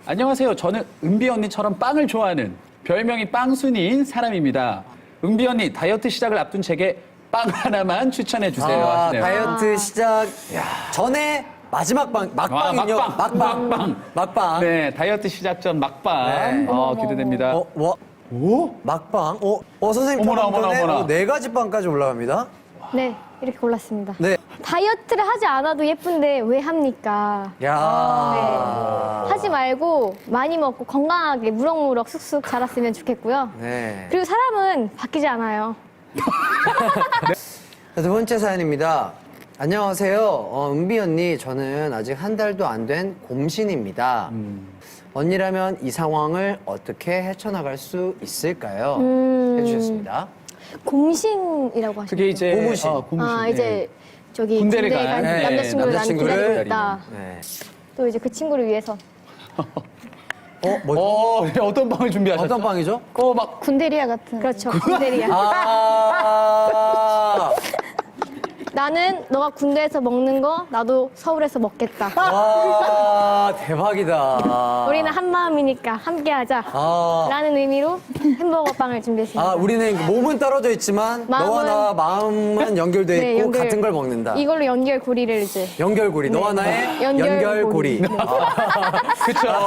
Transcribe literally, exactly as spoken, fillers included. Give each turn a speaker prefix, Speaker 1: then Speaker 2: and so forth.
Speaker 1: 안녕하세요. 저는 은비 언니처럼 빵을 좋아하는 별명이 빵순이인 사람입니다. 은비 언니 다이어트 시작을 앞둔 제게 빵 하나만 추천해 주세요.
Speaker 2: 아,
Speaker 1: 하시네요.
Speaker 2: 다이어트 시작 전에 마지막 방, 막방이요.
Speaker 1: 와, 막방.
Speaker 2: 막방.
Speaker 1: 막방.
Speaker 2: 막방.
Speaker 1: 네, 다이어트 시작 전 막방.
Speaker 2: 네.
Speaker 1: 어, 기대됩니다.
Speaker 2: 어, 와. 오? 막방? 어, 어 선생님
Speaker 1: 어머나,
Speaker 2: 다음
Speaker 1: 어머나,
Speaker 2: 번에
Speaker 1: 어머나.
Speaker 2: 어, 네 가지 빵까지 올라갑니다.
Speaker 3: 네, 이렇게 골랐습니다.
Speaker 2: 네.
Speaker 3: 다이어트를 하지 않아도 예쁜데 왜 합니까?
Speaker 2: 야.
Speaker 3: 네. 하지 말고 많이 먹고 건강하게 무럭무럭 쑥쑥 자랐으면 좋겠고요.
Speaker 2: 네.
Speaker 3: 그리고 사람은 바뀌지 않아요.
Speaker 2: 자, 두 번째 사연입니다. 안녕하세요. 어, 은비 언니, 저는 아직 한 달도 안 된 곰신입니다. 언니라면 이 상황을 어떻게 헤쳐나갈 수 있을까요?
Speaker 3: 음.
Speaker 2: 해주셨습니다.
Speaker 3: 곰신이라고 하시죠.
Speaker 1: 그게 이제
Speaker 2: 고무신.
Speaker 1: 어, 고무신.
Speaker 3: 아,
Speaker 1: 네.
Speaker 3: 이제 저기
Speaker 1: 군대를
Speaker 3: 군대에
Speaker 1: 간,
Speaker 3: 간
Speaker 1: 네,
Speaker 3: 남자친구를 난
Speaker 2: 남자친구를
Speaker 3: 기다리고 있다.
Speaker 2: 네.
Speaker 3: 또 이제 그 친구를 위해서
Speaker 2: 어, 뭐,
Speaker 1: 어, 네, 어떤 빵을 준비하셨죠?
Speaker 2: 어떤 빵이죠?
Speaker 1: 어, 막
Speaker 3: 군대리아 같은. 그렇죠. 군대리아.
Speaker 2: 아.
Speaker 3: 나는 너가 군대에서 먹는 거 나도 서울에서 먹겠다.
Speaker 2: 와, 대박이다.
Speaker 3: 우리는 한 마음이니까 함께하자.
Speaker 2: 아.
Speaker 3: 라는 의미로 햄버거 빵을 준비했습니다.
Speaker 2: 아, 우리는 몸은 떨어져 있지만 너와
Speaker 3: 마음은-
Speaker 2: 나와 마음은 연결돼 있고
Speaker 3: 네, 연결.
Speaker 2: 같은 걸 먹는다.
Speaker 3: 이걸로 연결고리를 이제
Speaker 2: 연결고리. 너와 나의
Speaker 3: 연결고리.
Speaker 2: 연결고리.
Speaker 3: 네.
Speaker 2: 아,
Speaker 1: 그쵸.